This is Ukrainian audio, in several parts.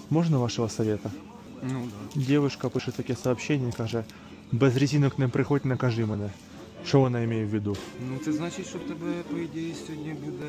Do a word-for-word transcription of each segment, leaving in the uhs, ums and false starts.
Можна вашого совета? Ну да. Дівчинка пише таке сообщення, каже, без резинок не приходь, накажи мене. Що вона має в виду? Ну це значить, що в тебе, по ідеї, сьогодні буде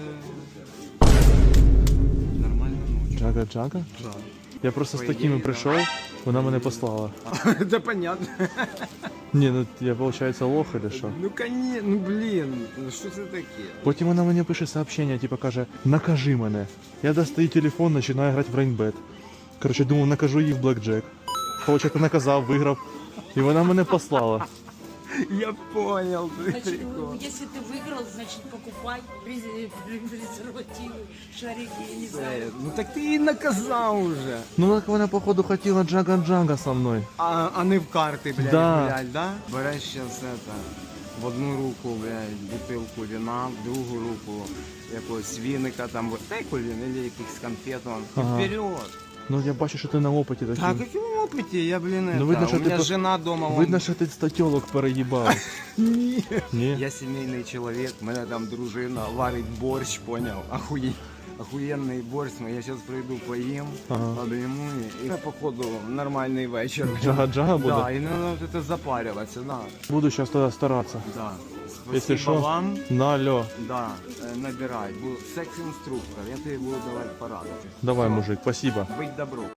нормальна ночь. Джага-джага? Да. Я просто По з такими ідеї, прийшов, вона мене послала. Да понятно. Ні, ну я, виходить, лох или що? Ну конечно, ну блін, ну що це таке? Потім вона мені пише сообщення, типу каже, накажи мене. Я достаю телефон, починаю грати в рейнбет. Коротше, думав, накажу її в блекджек. Получається, наказав, виграв. І вона мене послала. Я понял, ты Значит, прикол. если ты выиграл, значит покупай презер- презервативы, шарики, я не знаю. Е, Ну так ти її наказав уже. Ну так вона, походу, хотіла джага-джага со мною. А, а не в карти, блядь, Да. блядь, да? Береш сейчас это, в одну руку, блядь, бутилку вина, в другу руку якогось віника, там, вот теку він, или якихось конфет, он, Ага. вперед. Ну я бачу, що ти на опиті такий. Так, каким опыте, я, блин, Ну, это, видно, у що ти меня по- жена дома, Видно, он... що ти статьолок переїбав. Ні. Ні? Я сімейний чоловік, мене там дружина варить борщ, поняв, Охує... охуєнний борщ, ну, я зараз прийду поїм, Ага. обійму і, і походу нормальний вечір. Джага-джага буде? Да, і не треба це запарюватися, да. Буду зараз тоді старатися. Да. Якщо Спасибо що, вам. на алло. Да, е, набирай. Бу- Секс-інструктор, я тобі буду давати поради. Давай, мужик, спасибо. Будь добро.